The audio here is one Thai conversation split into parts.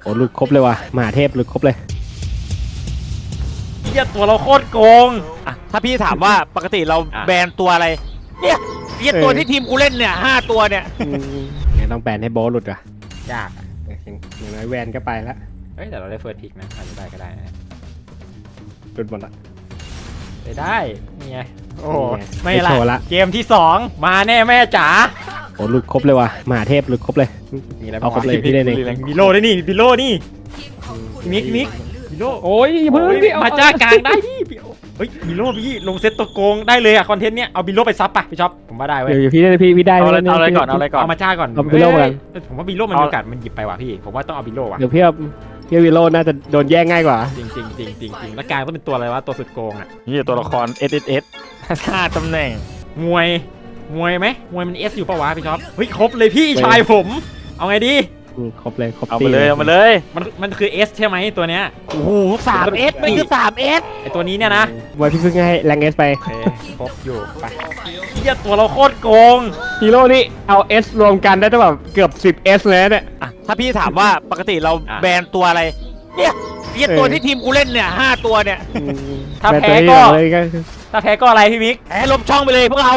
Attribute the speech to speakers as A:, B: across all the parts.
A: อ้หลุดครบเลยว่ะมหาเทพหลุดครบเลย
B: เหี้ยตัวเราโคตรโกงอ่ะถ้าพี่ถามว่าปกติเราแบนตัวอะไรเนี่ยเหี้ยตัวที่ทีมกูเล่นเนี่ย5 ตัวเนี่ย
A: เนี่ยต้องแบนให้โบสหลุดว่ะ
B: ยากอ่ะ
A: อย่างน้อยแวนก็ไปแล้ว
B: เฮ้ยแต่เราได้เฟิร์สพิกนะอาจจะได้ก็ได้นะ
A: หลุดหมดละ
B: ได้นี่ไงโอ้
A: นี่ไง
B: ไม่
A: ไม่โชว์ละ
B: ละเกมที่2มาแน่แม่จ๋า
A: โอ้หลุดครบเลยว่ะมหาเทพหลุดครบเลย
B: นี่แหละ
A: เอาครบเลยพี่เล่นเอง
B: บิโลได้นี่บิโลนี่มิกบิโล
A: โอ้ยเพิ่งพี่เอา
B: มาจ้ากลางได้พี่เฮ้ยบิโลพี่ลงเซตตัวโกงได้เลยอะคอนเทนต์เนี้ยเอาบิโลไปซับป่ะพี่ช็อปผมว่าได้เว้ย
A: เดี๋ยวพี่ได้พี่ได้
C: เอาอะไรก่อน
B: เอามาจ้าก่อน
A: เอาบิโลก่อน
B: เอ้ยผมว่าบิโลมันมีโอกาสมันหยิบไปว่ะพี่ผมว่าต้องเอาบิโลว่ะ
A: เดี๋ยวพี่วิโรจน์น่าจะโดนแย่งง่ายกว่า
B: จริงแล้วกลางต้องเป็นตัวอะไรวะตัวสุดโกงอะ
C: นี่ตัวละคร SSS 5 ตำแหน่ง
B: มวยไหมมวยมันเอสอยู่ปะวะพี่ช็อปเฮ้ยครบเลยพี่ชายผมเอาไงดี
A: ครบเลยครบ
C: เอา
A: ตี
C: มาเลยเอามาเลย
B: มันคือ S ใช่ไหมตัวเนี้ย
C: โอ้โห3S ไม่คือ 3S
B: ไอตัวนี้เนี่ยนะ
A: ไว้พี่เพิ่งให้แรงเอสไป
B: โอเคครบอยู่ไปเหี้ยตัวเราโคตรโกง
A: ฮีโร่นี่เอาเอสรวมกันได้ตั้งแบบเกือบ10 S เลยนะเนี่ย
B: อ่ะถ้าพี่ถามว่าปกติเราแบนตัวอะไรเนี่ยเหี้ยตัวที่ทีมกูเล่นเนี่ย5 ตัวเนี่ย ถ้าแพ้ก็
A: เลยก็
B: ถ้าแพ้ก็อะไรพี่มิกแพ้ลบช่องไปเลยพวกเรา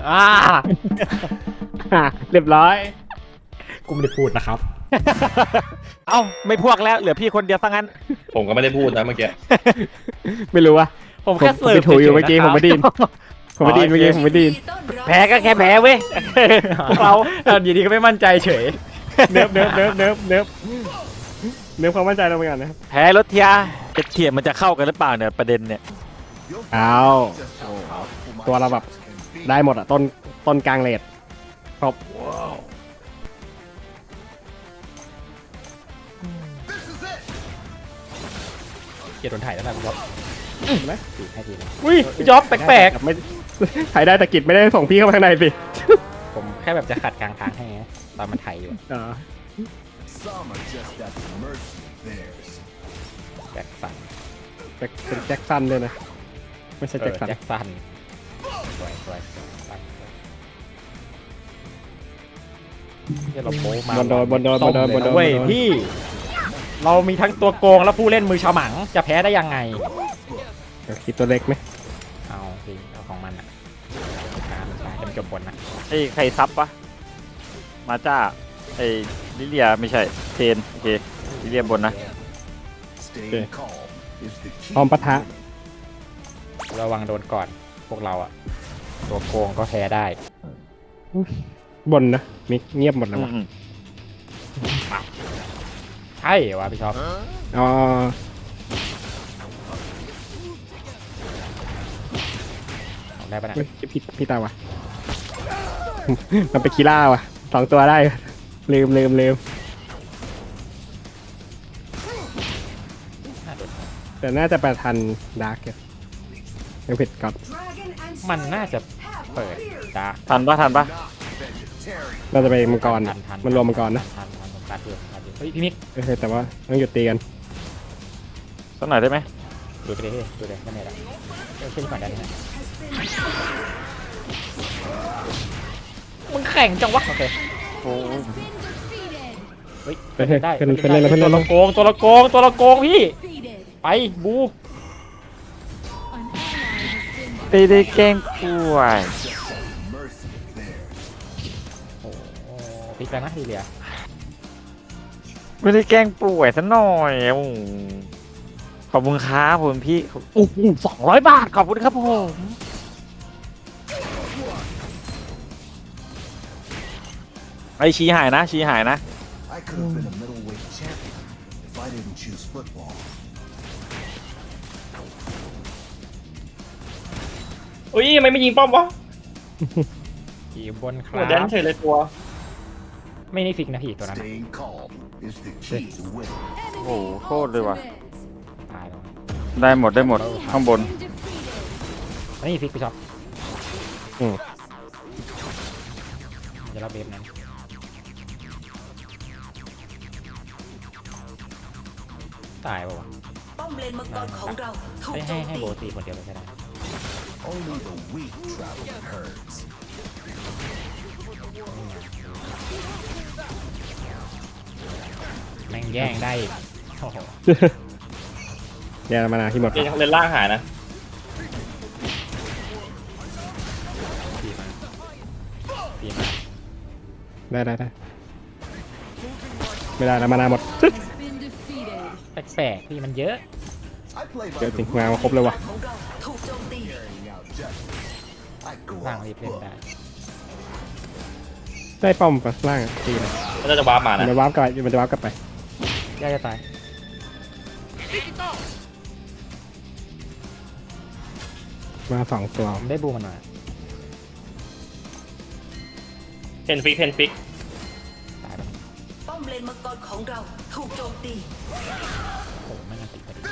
A: เรียบร้อย
B: กูไม่ได้พูดนะครับ เอ้าไม่พวกแล้วเหลือพี่คนเดียวซะงั้น
D: ผมก็ไม่ได้พูดนะเมื่อกี้
A: ไม่รู้ว่า
B: ผมแค่เสิร์ฟ
A: ถูอยู่เมื่อกี้ผมไม่ไดยินผมไม่ไดยินเมื่อกี้ผมไม่ไดยิน
B: แพ้ก็แค่แพ้เว้ยพวกเราอยู่ดีก็ไม่มั่นใจเฉย
A: เนิบความมั่นใจเราไปก่อนนะครับ
C: แพ้รถเทียจะเทียมมันจะเข้ากันหรือเปล่าเนี่ยประเด็นเนี่ย
A: เอาตัวเราแบบได้หมดอ่ะต้นกลางเลดครบ
B: เกียร์โดนถ่ายแล้วนะพี่จ๊อบ
A: ไหม
B: ถือให้ทีเลยอุ้ยพี่จ๊อบแปลก
A: ไม่ถ่ายได้แต่กิจไม่ได้ส่งพี่เข้าไปข้างในสิ
B: ๆผมแค่แบบจะขัดกลางทางให้ไงตอนมันถ่ายอยู่
A: อ๋อ
E: Some are just at the mercy of theirs.
B: แจ็คสัน
A: เป็นแจ็คสันเลยนะไม่ใช่แจ็คสัน
B: แจ็คสันสวยเดี๋ยวเราโป๊มา
A: บนโดน
B: เว้ยพี่เรามีทั้งตัวโกงและผู้เล่นมือฉมังจะแพ้ได้ยังไง
A: คิดตัวเล็กไหม
B: เอาสิเอาของมันอ่ะช้าจะจบบนนะ
C: ไอ้ใครซับปะมาจ้าไอ้ลิเลียไม่ใช่เทนโอเคลิเลียบนนะ
E: Staying calm is the
A: พร้อม
E: key.
A: ปะทะ
B: ระวังโดนก่อนพวกเราอ่ะตัวโกงก็แพ้ได้
A: บนนะมิเงียบหมดแล้ววะ
B: ใช่วะพี่ช็อป
A: อ๋อ
B: เอาได้ปะเนี่ย
A: เฮ้ยพี่ตาวะ มันเป็นคีล่าวะ2 ตัวได้ลืม
B: น่าโดน
A: แต่น่าจะประทันดาร์กยังผิดก่อน
B: มันน่าจะเปิดดาร์ก
C: ทันปะ
A: น่าจะไปมังกร
B: ทัน
A: มันรวมมังกรนะ
B: ทันการเดือดเฮ้ยพี่มิก
A: แต่ว่าต้องหยุดตีกัน
C: สักหน่อยได้ไหม
B: ดูไปเลยดูเลยไม่เป็นไรเช่นก่อนได้ไหมมึงแข่งจังวะโอเค
C: โอ้
B: เฮ้ย
A: เฮ้ย
B: ได้
A: เพื่อนเล่นแล้วเพื่อน
B: ตัว
A: เล่นแล้
B: ละ
A: ว
B: โกงตัวละโกงพี่ไปบู
C: ตีได้แกล้งป่วย
E: Mercy of theirs.
B: โอ้พลิกแล้วนะทีเดียว
C: ไม่ได้แกล้งป่วยซะหน่อยโอ้โหขอบคุณครับผมพี่โอ้โห200 บาทขอบคุณครับผมไอชี้หายนะ
E: I could have been a middleweight champion if I didn't choose football.
F: อุ้ยทำไมไม่ยิงป้อมวะ
B: ขี่บนค
F: หัว
B: รับ
F: แดนเฉยเลยตัว
B: ไม่ได้ฟิกนะพี่ตัวนั้น
E: Staying calm is the key to winning.
C: โอ้โหโคตรเลยว่ะ
B: ตายแล้ว
C: ได้หมดข้างบน
B: อันนี้ฟิกไปช็อป
A: อืม
B: เดี๋ยวเราเบฟนั้นตายป่าวะ
G: ป้อมเลนมังกรของเราถูกโจม
B: ให้
G: ตี
B: โบตีคนเดียวเลยก็ได้
E: Only the weak travel in herds.
B: เแม่งแย่งได้อีกโอ้โห
A: เนี่ยมานาที่หมด
F: เล่นเล่นล่างหายนะ
B: ตีมา
A: ได้ไม่ได้แล้วมานาหมด
B: แปลกๆที่มันเยอะ
E: I play by
A: เดี๋ยว
E: the
A: จริงมาครบเลยว่ะ
G: ของเราถูกโจมตี
E: carrying out justice. I go
B: ล่าง
E: off
B: รีบเล่น
E: book.
B: ได้
A: ได้ป้อมปะล่างอะตีเลย
F: มันจะวาร์ปมานะ
A: มันจะวาร์ปกลับมันจะวาร์ปกลับไป
B: ย่าจะตาย
A: มา2 ตัว
B: ผมได้บูมันมา
F: เพนฟิก
B: ตายไป
G: ป้อมเลนมังกรของเราถูกโจมตี
B: โอ้โหไม่งานติดพอดี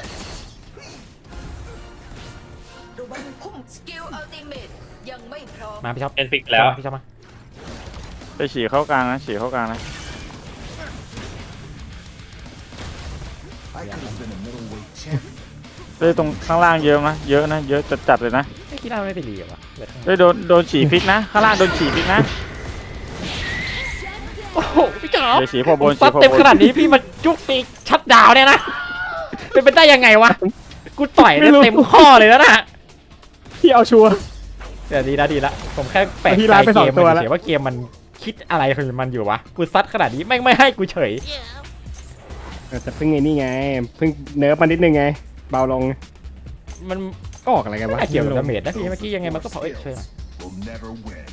G: ระวังพุ่มสกิลอัลติเมตยังไม่พร้อม
B: มาพี่ช็อป
F: เพนฟิกแล้ว
B: พี่ช็อปมา
C: ไปฉี่เข้ากลางนะฉี่เข้ากลางนะ
E: I could have been a middleweight champion.
C: เฮ้ยตรงข้างล่างเยอะนะเยอะนะเยอะจัดๆเลยนะ
B: ไอ้กีฬาไม่ได้รีเหรอวะเหลือข้าง
C: เฮ้ยโดนฉี่ฟิกนะข้างล่างโดนฉี่ฟิกนะ
B: โอ้โหพี่จ๋อ
C: เดี๋ยวฉี่พอบน
B: ซั
C: ฉี่
B: ด
C: พอ
B: เต็ม
C: บน
B: ขนาดนี้พี่มาจุกตีชัดดาวน์เนี่ยนะ เป็นไปได้ยังไงวะ กูต่อยได้เต็มข้อเลยแล้วนะ
A: พี่เอาชัวร์
B: แต่ดีละผมแค่แปลก
A: พี่
B: ใจ
A: ไลฟ์ไป
B: เก
A: สอง
B: ม
A: ตัว
B: มัน
A: แล้ว
B: เฉยๆว่าเกมมันคิดอะไรของมันอยู่วะ กูซัดขนาดนี้แม่งไม่ให้กูเฉย
A: แต่เพิ่งไงนี่ไงเพิ่งเนิร์ฟมานิดนึงไง เบาลง
B: มัน
A: ก็ออกอะไรกัน
B: ไม่
A: วะ
B: น่าเกี่ยวกับดาเมจนะพี่เมื่อกี้ยังไงมันก็เผาเอ้ยช่วยหน่อย
E: Will never win.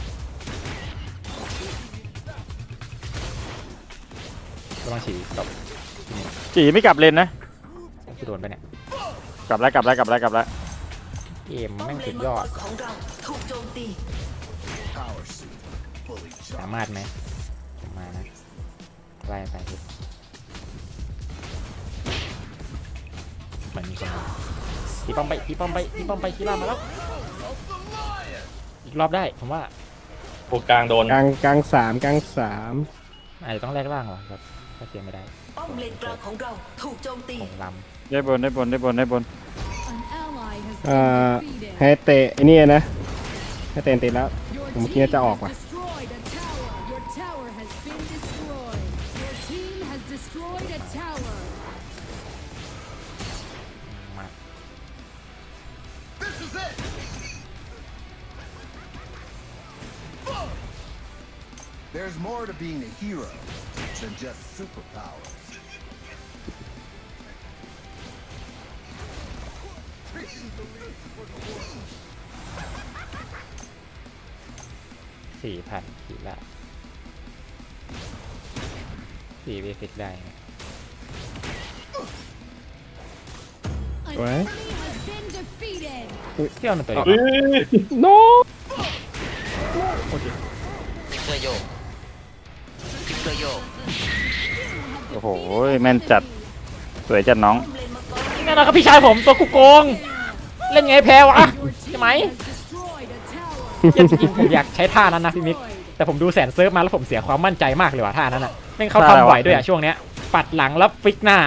B: ระวังฉีดตบ
C: ฉี่ไม่กลับเลนนะ
B: กูโดนไปเนี่ย
C: กลับแล้ว
B: เกม
G: ป้อ
B: แม่
G: ม
B: ง
G: เล
B: สุ
G: น
B: ด
G: มั
B: ย
G: ง
B: อก ด
G: รของเราถูกโจมตี
E: Power suit. Fully
B: สา
E: charged.
B: มารถไหมผมมานะไล่ไปพี่เหมือนมีคนมาตีป้อมไปกีฬามาแล้ว อีกรอบได้ผมว่า
F: โอกลางโดน
A: กลาง3กลาง
B: อาจจะต้องแลกล่างว่ะครับถ้าเสียไม่ได้
G: ป้อมเลนกลางของเราถูกโจมตี
B: ผมล
C: ได้บน
A: ให้เตะไอ้นี่นะให้เตะติดแล้ว ผมคิดว่าจะออกว่ะ
B: ำมา
E: This is it. There's more to being a hero than just superpowers.
B: 4,000กีฬา4 v 6ได้นะ
A: สวย
B: เที่ยวหนึ่งตัวเดียว
F: เฮ้ย
A: โน
C: โอ้โหแม่นจัดสวยจัดน้อง
G: ป้อมเลนมังกร
B: แน่นอนครับพี่ชายผมตัวกูโกง เล่นไงแพ้วะใช่ไหมเหี้ยจริงๆผมอยากใช้ท่านั้นนะพี่มิก แต่ผมดูแสนเซิร์ฟมาแล้วผมเสียความมั่นใจมากเลยว่ะท่านั้นอ่ะแม่งเขา
C: ท่าอะไร
B: ทำ
C: วะ
B: บ่อยด้วยอ่ะช่วงเนี้ย ปัดหลังแล้วฟิกหน้า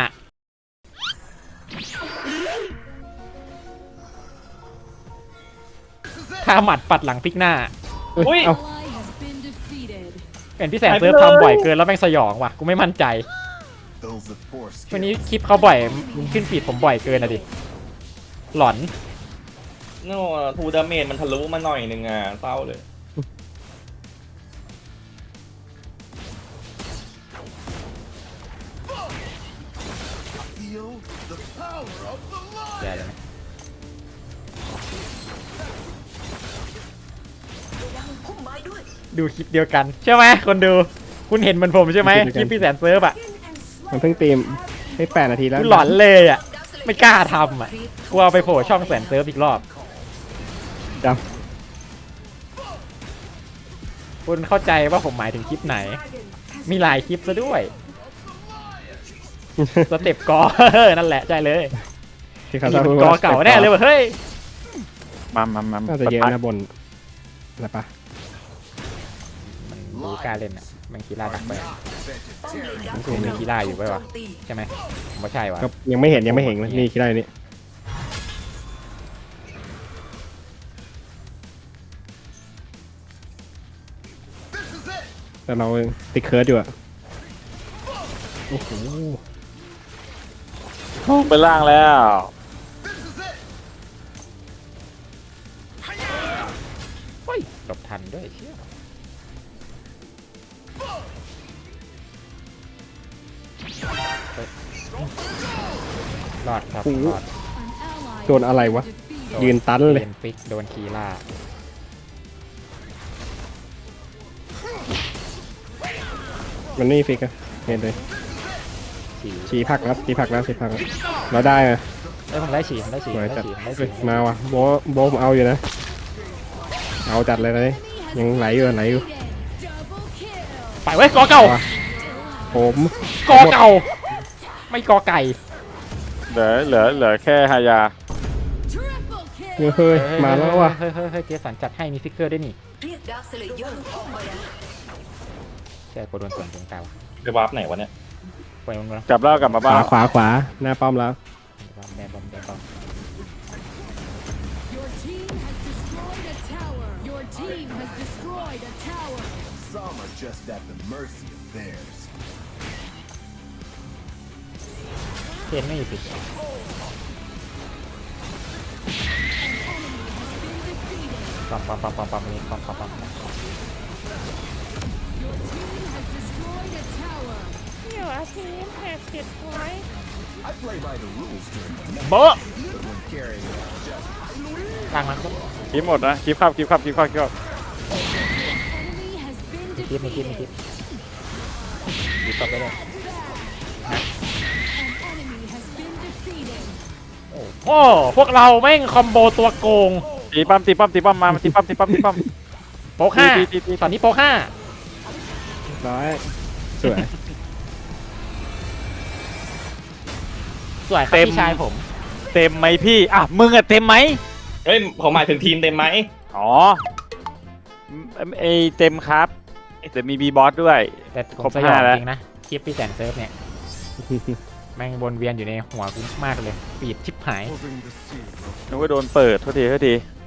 B: ท่าหมัดปัดหลังฟิกหน้า
F: อุ้ย
A: เอ้า
B: เห็นพี่แสนเซิร์ฟทำบ่อยเกินแล้วแม่งสยองว่ะกูไม่มั่นใจ
E: Those with force
B: วันนี้
E: skills.
B: คลิปเขาบ่อยขึ้นฟีดผมบ่อยเกินอะดิ หลอน
F: โน่ทูดาเมจมันทะลุมาหน่อยนึงอ่ะเศร้าเลย
E: Feel the power of the
B: แย่
E: lion.
B: เลยไหม
G: ระวังพุ่มไม้ด้วย
B: ดูคลิปเดียวกันใช่ไหมคนดู คุณเห็นเหมือนผมใช่ไหมคลิปพี่แสนเซิร์ฟอ่ะ
A: มันเพิ่งตีมให้8 นาทีแล้ว
B: กูหลอนเลยอ่ะ ไม่กล้าทำอ่ะกลัวไปโผล่ช่องแสนเซิร์ฟอีกรอบ
A: ด
B: คุณเข้าใจว่าผมหมายถึงคลิปไหน มีหลายคลิปซะด้วย สเต็ปกอ นั่นแหละใช่เลย
A: ำที่เขา
B: นี่
A: จะ
B: มัน
A: พูด
B: กอ
A: ว่า
B: เก่าแน่เลยว่ะเฮ้ย
C: มา
A: น่าจะเยอะนะบนอะไรปะ
B: มันดูกล้าเล่นอ่ะแมันกีฬาดักไป
G: ป้อมเลนกลาง
B: มัน
G: ข
B: คือ
G: อง
B: มี
G: เรา
B: กีฬาอยู่
G: ถูก
B: ไว้
G: โจ
B: วะ
G: มตี
B: ใช่ไหมผมว่าใช่วะ
A: ก็ยังไม่เห็นนี่คิดได้นี่
E: This is it.
A: แต่เราติดเคิร์ดอยู่อะโอ้โห
C: ลงไปล่างแล้ว
B: เฮ้ยหลบทันด้วยเชี่ยเฮ้ยรอดครับรอด
A: โดนอะไรวะ ยืนตันเลย
B: เนฟิกโดนคีล่า
A: มันนี่ฟิกอะเห็นเลย
B: ฉี่
A: ชี้ผักแล้วชี้ผักแล้วชี้ผักแล้วเราได้อะ
B: เอ้ยผมได้ฉี่ผมได้ฉี่
A: ส
B: ผ
A: วย
B: มได้
A: จัด
B: ฉี่ผมได้
A: เฮ้
B: ฉี่
A: ยมาว่ะโบมเอาอยู่นะ เอาจัดเลยนะยังไหลอยู่ไหลอยู่
B: ไปเว้ยกอเก่า
A: ว่ะ ผม
B: กอเก่า ไม่กอไก่
C: เหลือแค่ฮายา
A: เฮ้ยมาแล้วว่ะ
B: เฮ้ยเจสันจัดให้มีฟิกเกอร์ด้วยนี่
G: เรียกดาร์คสเลเยอร์ออกมาแล้ว
B: ใช่กดโดนส่วนตรงกลาง
F: ไปวาร์ปไหนวะเนี่ย
B: ไปมัน
C: กลับแล้วกลับมา
A: ข
C: บ้าน
A: วาหน้าป้อมแล้ว
B: แดนบอมแดนบอม
D: Your team has destroyed a tower. Your team has destroyed a tower.
E: Some are just at the mercy of theirs.
B: เทนไม่มีฟิก ปั๊มนี่ปั๊ม
D: Your team has destroyed a tower.
E: I play by the rules during the match,
B: เบอะ
E: but when carrying out justice,
B: กลางมันก็
C: คลิปหมดนะคลิปครับ
D: Enemy has been
B: คิดไม่คิด
D: defeated.
B: ดีตบได้เลย
D: An enemy has been defeated.
B: โอ้พวกเราแม่งคอมโบตัวโกง
C: ตีป้อมมาตีป้อม
B: โป๊กห้า
C: ตี
B: ตอนนี้โป๊กห้า
A: ร้อยสวย
B: สวยครับพี่ชายผม
C: เต็มไหมพี่อ่ะมึงอะเต็มไหม
F: เฮ้ยผมหมายถึงทีมเต็มไหม
C: อ๋อไอเต็มครับแต่มีบีบอสด้วย
B: แต่ผ
C: คร
B: ม
C: บ
B: สยอง
C: 5แล้ว
B: จริงนะคลิปพี่แสนเซิร์ฟเนี่ย แม่งวนเวียนอยู่ในหัวกูมากเลยปีดชิบหาย
C: นึกว่าโดนเปิดโทษที